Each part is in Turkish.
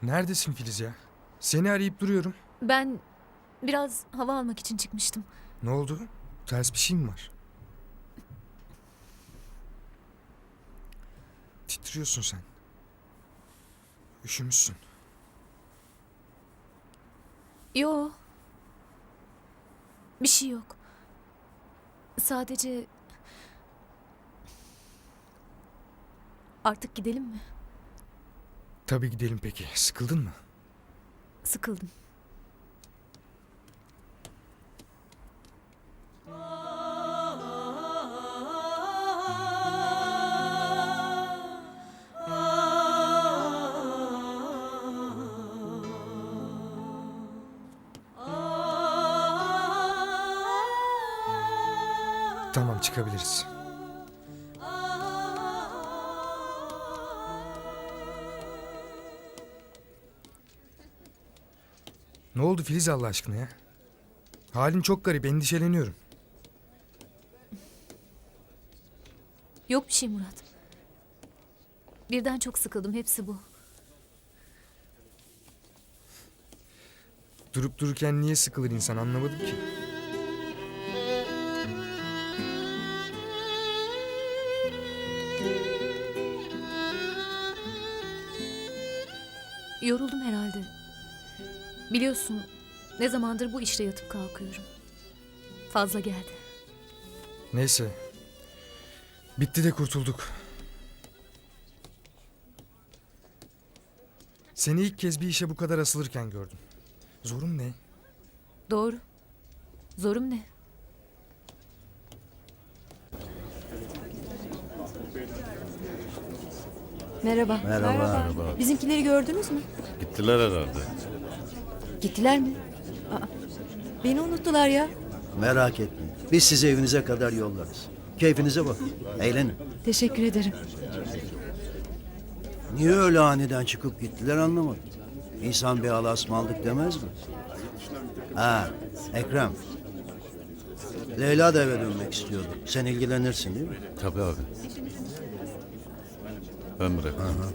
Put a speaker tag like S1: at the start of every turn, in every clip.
S1: Neredesin Filiz ya? Seni arayıp duruyorum.
S2: Ben biraz hava almak için çıkmıştım.
S1: Ne oldu? Ters bir şey mi var? Titriyorsun sen. Üşümüşsün.
S2: Yo. Bir şey yok. Sadece... Artık gidelim mi?
S1: Tabii gidelim peki. Sıkıldın mı?
S2: Sıkıldım.
S1: Tamam, çıkabiliriz. Ne oldu Filiz Allah aşkına ya? Halin çok garip, endişeleniyorum.
S2: Yok bir şey Murat. Birden çok sıkıldım, hepsi bu.
S1: Durup dururken niye sıkılır insan anlamadım ki.
S2: Yoruldum herhalde. Biliyorsun, ne zamandır bu işte yatıp kalkıyorum. Fazla geldi.
S1: Neyse. Bitti de kurtulduk. Seni ilk kez bir işe bu kadar asılırken gördüm. Zorun ne?
S2: Doğru. Zorum ne?
S3: Merhaba.
S4: Merhaba.
S3: Bizimkileri gördünüz mü?
S4: Gittiler herhalde.
S3: Gittiler mi? Aa, beni unuttular ya.
S5: Merak etmeyin. Biz sizi evinize kadar yollarız. Keyfinize bakın. Eğlenin.
S3: Teşekkür ederim.
S5: Niye öyle aniden çıkıp gittiler anlamadım. İnsan bir Allah'a ısmarladık demez mi? Ha, Ekrem. Leyla da eve dönmek istiyordu. Sen ilgilenirsin değil mi?
S4: Tabii abi. Ben bırakırım.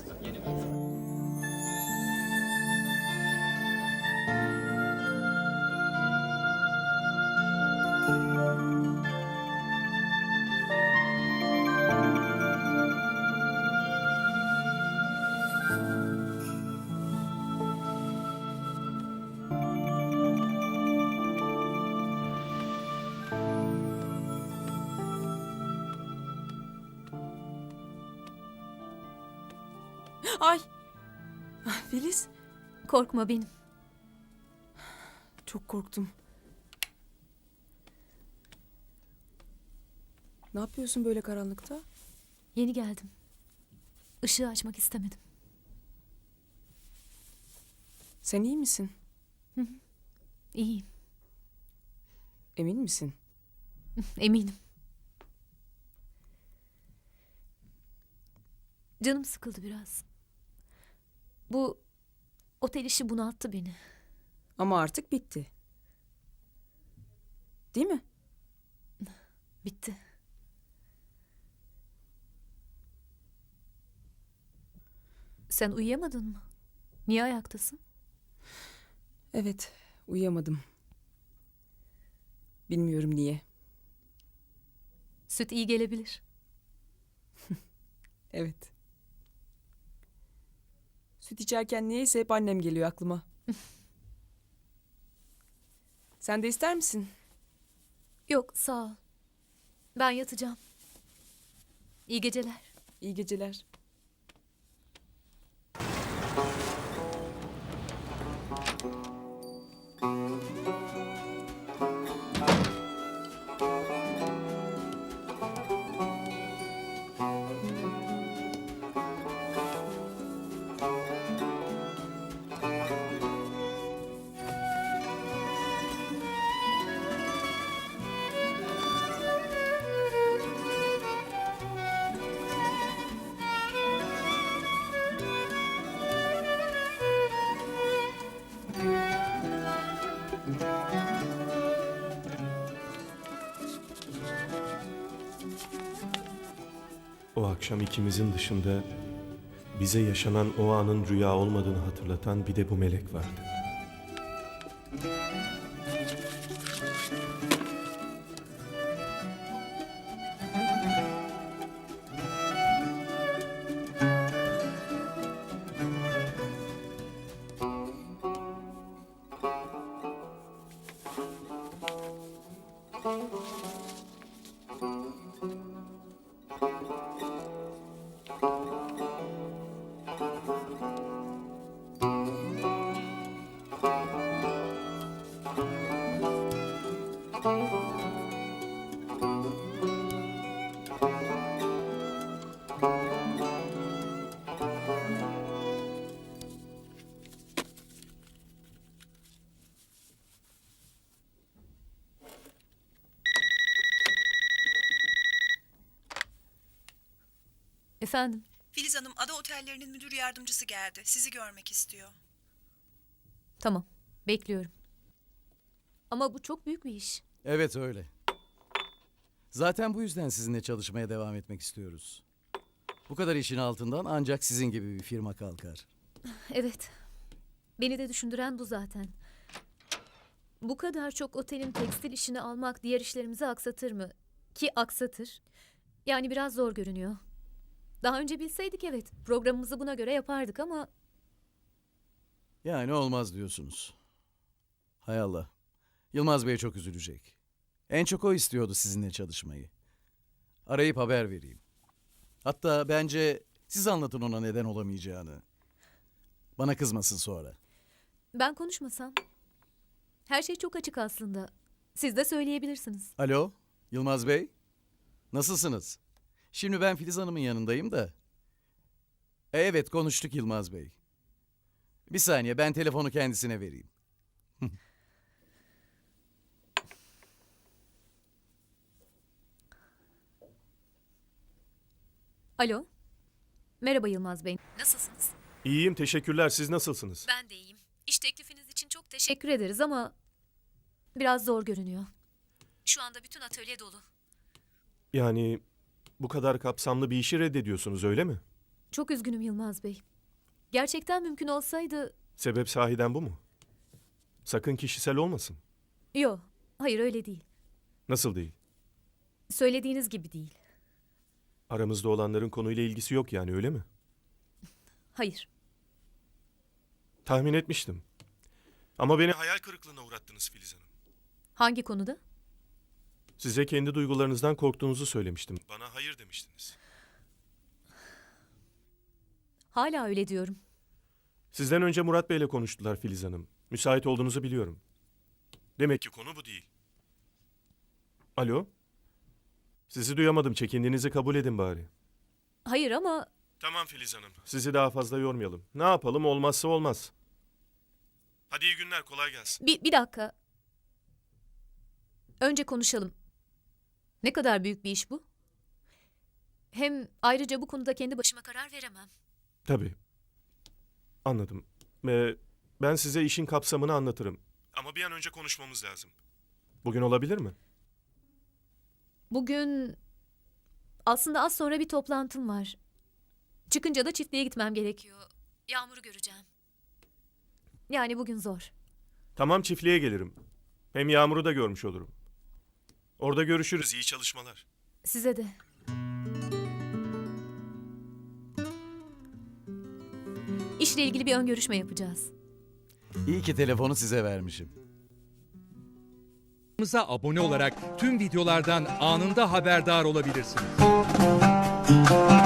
S6: Ay. Filiz,
S2: Korkma benim.
S6: çok korktum. Ne yapıyorsun böyle karanlıkta?
S2: Yeni geldim. Işığı açmak istemedim.
S6: Sen iyi misin?
S2: İyiyim.
S6: Emin misin?
S2: Eminim. Canım sıkıldı biraz. Bu otel işi bunalttı beni.
S6: Ama artık bitti. Değil mi?
S2: Bitti. Sen uyuyamadın mı? Niye ayaktasın?
S6: Evet, uyuyamadım. Bilmiyorum niye.
S2: Süt iyi gelebilir.
S6: Evet. Süt içerken niyeyse hep annem geliyor aklıma. Sen de ister misin?
S2: Yok, sağ ol. Ben yatacağım. İyi geceler.
S6: İyi geceler.
S7: O akşam ikimizin dışında bize yaşanan o anın rüya olmadığını hatırlatan bir de bu melek vardı.
S2: Efendim,
S8: Filiz Hanım, Ada Otellerinin müdür yardımcısı geldi. Sizi görmek istiyor.
S2: tamam. Bekliyorum. Ama bu çok büyük bir iş.
S9: Evet öyle. Zaten bu yüzden sizinle çalışmaya devam etmek istiyoruz. Bu kadar işin altından ancak sizin gibi bir firma kalkar.
S2: Evet. Beni de düşündüren bu zaten. Bu kadar çok otelin tekstil işini almak diğer işlerimizi aksatır mı? Ki aksatır. Yani biraz zor görünüyor. Daha önce bilseydik evet, programımızı buna göre yapardık ama
S9: Yani olmaz diyorsunuz. Hay Allah. Yılmaz Bey çok üzülecek. En çok o istiyordu sizinle çalışmayı. Arayıp haber vereyim. Hatta bence siz anlatın ona neden olamayacağını. Bana kızmasın sonra.
S2: ben konuşmasam. Her şey çok açık aslında. Siz de söyleyebilirsiniz.
S9: Alo, Yılmaz Bey. Nasılsınız? Şimdi ben Filiz Hanım'ın yanındayım da. Evet, konuştuk Yılmaz Bey. Bir saniye, ben telefonu kendisine vereyim.
S2: Alo. Merhaba Yılmaz Bey. Nasılsınız?
S7: İyiyim, teşekkürler. Siz nasılsınız?
S2: Ben de iyiyim. İş teklifiniz için çok teşekkür ederiz ama biraz zor görünüyor. Şu anda bütün atölye dolu.
S7: Yani bu kadar kapsamlı bir işi reddediyorsunuz, öyle mi?
S2: Çok üzgünüm Yılmaz Bey. Gerçekten mümkün olsaydı...
S7: Sebep sahiden bu mu? Sakın kişisel olmasın.
S2: Yok, hayır öyle değil.
S7: Nasıl değil?
S2: Söylediğiniz gibi değil.
S7: Aramızda olanların konuyla ilgisi yok yani, öyle mi?
S2: Hayır.
S7: Tahmin etmiştim. Ama beni hayal kırıklığına uğrattınız Filiz Hanım.
S2: Hangi konuda?
S7: Size kendi duygularınızdan korktuğunuzu söylemiştim. Bana hayır demiştiniz.
S2: Hala öyle diyorum.
S7: Sizden önce Murat Bey'le konuştular Filiz Hanım. Müsait olduğunuzu biliyorum. Demek ki konu bu değil. Alo? Sizi duyamadım. Çekindiğinizi kabul edin bari.
S2: Hayır ama
S7: Tamam Filiz Hanım. Sizi daha fazla yormayalım. Ne yapalım, olmazsa olmaz. Hadi iyi günler, kolay gelsin.
S2: bir dakika. Önce konuşalım. Ne kadar büyük bir iş bu? Hem ayrıca bu konuda kendi başıma karar veremem.
S7: Tabii. Anladım. Ve ben size işin kapsamını anlatırım. Ama bir an önce konuşmamız lazım. Bugün olabilir mi?
S2: Bugün aslında az sonra bir toplantım var. Çıkınca da çiftliğe gitmem gerekiyor. Yağmur'u göreceğim. Yani bugün zor.
S7: Tamam, çiftliğe gelirim. Hem Yağmur'u da görmüş olurum. Orada görüşürüz. İyi çalışmalar.
S2: Size de. İşle ilgili bir ön görüşme yapacağız.
S9: İyi ki telefonu size vermişim.
S10: Kanalımıza abone olarak tüm videolardan anında haberdar olabilirsiniz.